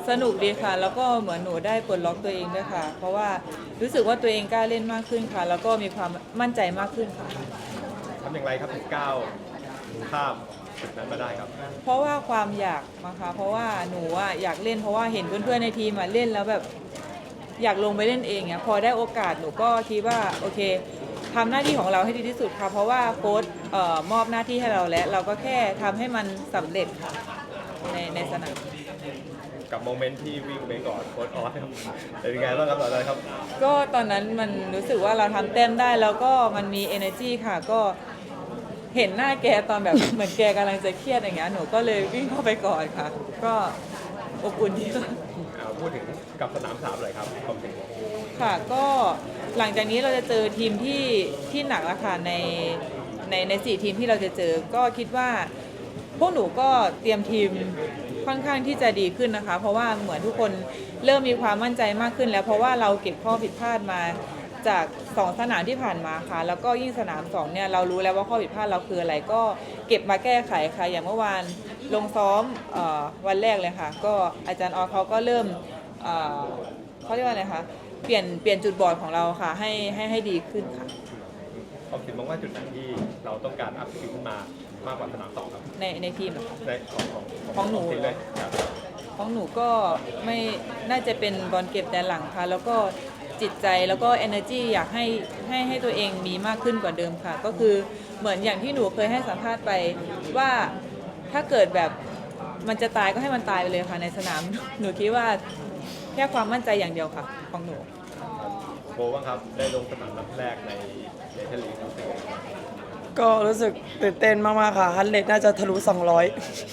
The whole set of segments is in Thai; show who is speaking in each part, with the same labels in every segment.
Speaker 1: สนุกดีค่ะแล้วก็เหมือนหนูได้ปลดล็อกตัวเองด้วยค่ะเพราะว่ารู้สึกว่าตัวเองกล้าเล่นมากขึ้นค่ะแล้วก็มีความมั่นใจมากขึ้นค่ะ
Speaker 2: ทำอย่างไรครับถึงก้าวข้ามจุดนั้นมาได้ครับ
Speaker 1: เพราะว่าความอยากนะคะเพราะว่าหนูอยากเล่นเพราะว่าเห็นเพื่อนๆในทีมเล่นแล้วแบบอยากลงไปเล่นเองพอได้โอกาสหนูก็คิดว่าโอเคทำหน้าที่ของเราให้ดีที่สุดค่ะเพราะว่าโค้ชมอบหน้าที่ให้เราแล้วเราก็แค่ทำให้มันสำเร็จค่ะในสนาม
Speaker 2: กับโมเมนต์ที่วิ่งไปก่อนโค้ชออสครับเป็นยังไงบ้างครับตอนนั้นครับ
Speaker 1: ก็ตอนนั้นมันรู้สึกว่าเราทำเต็มได้แล้วก็มันมี energy ค่ะก็เห็นหน้าแกตอนแบบ เหมือนแกกำลังจะเครียดอย่างเงี้ยหนูก็เลยวิ่งเข้าไปก่อนค่ะก็อบอุ่นดีค่ะ
Speaker 2: พูดถึงกับสนาม3เลยครับความถึง
Speaker 1: ค่ะก็หลังจากนี้เราจะเจอทีมที่หนักแล้วค่ะใน4ทีมที่เราจะเจอก็คิดว่าพวกหนูก็เตรียมทีมค่อนข้างที่จะดีขึ้นนะคะเพราะว่าเหมือนทุกคนเริ่มมีความมั่นใจมากขึ้นแล้วเพราะว่าเราเก็บข้อผิดพลาดมาจาก2สนามที่ผ่านมาค่ะแล้วก็ยิ่งสนาม2เนี่ยเรารู้แล้วว่าข้อผิดพลาดเราคืออะไรก็เก็บมาแก้ไขค่ะอย่างเมื่อวานลงซ้อมวันแรกเลยค่ะก็อาจารย์ออเขาก็เริ่มเขาเรียกว่าอะไรคะเปลี่ยนจุดบอดของเราค่ะให้ดีขึ้นค่ะ
Speaker 2: ผมคิดว่าจุดไหนที่เราต้องการอัพสกิลขึ้นมามากกว่าสนาม2ครับ
Speaker 1: ในทีมเหรอคะ
Speaker 2: ใน
Speaker 1: ของหนู
Speaker 2: ทีมเลยครับ
Speaker 1: ของหนูก็ไม่น่าจะเป็นบอลเก็บแดนหลังค่ะแล้วก็จิตใจแล้วก็ energy อยากให้ตัวเองมีมากขึ้นกว่าเดิมค่ะก็คือเหมือนอย่างที่หนูเคยให้สัมภาษณ์ไปว่าถ้าเกิดแบบมันจะตายก็ให้มันตายไปเลยค่ะในสนามหนูคิดว่าแค่ความมั่นใจอย่างเดียวค่ะของหนู
Speaker 2: โบว่างครับได้ลงสนามนัดแรกในเนเธอร์แลนด์ครับ
Speaker 3: ก็รู้สึกตื่นเต้นมากๆค่ะฮันเลดน่าจะทะลุ200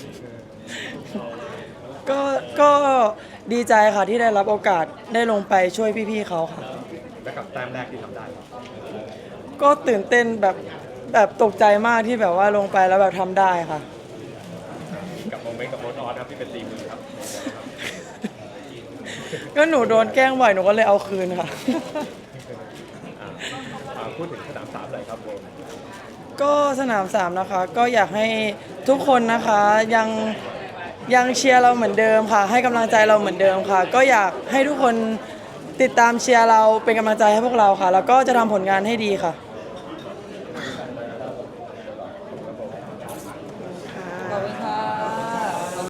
Speaker 3: ก็ดีใจค่ะที่ได้รับโอกาสได้ลงไปช่วยพี่ๆเขาค่ะ
Speaker 2: และกับแต้มแรกที่ทำได้
Speaker 3: ก็ตื่นเต้นแบบตกใจมากที่แบบว่าลงไปแล้วแบบทำได้ค่ะ
Speaker 2: กับโมเมนต์กับโค้ชออสครับที่เป็นตีมือครับ
Speaker 3: ก็หนูโดนแกล้งบ่อยหนูก็เลยเอาคืนค่ะ
Speaker 2: พูดถึงสนาม3เลยครับโบ
Speaker 3: ก็สนาม3นะคะก็อยากให้ทุกคนนะคะยังเชียร์เราเหมือนเดิมค่ะให้กำลังใจเราเหมือนเดิมค่ะก็อยากให้ทุกคนติดตามเชียร์เราเป็นกำลังใจให้พวกเราค่ะแล้วก็จะทำผลงานให้ดีค่ะ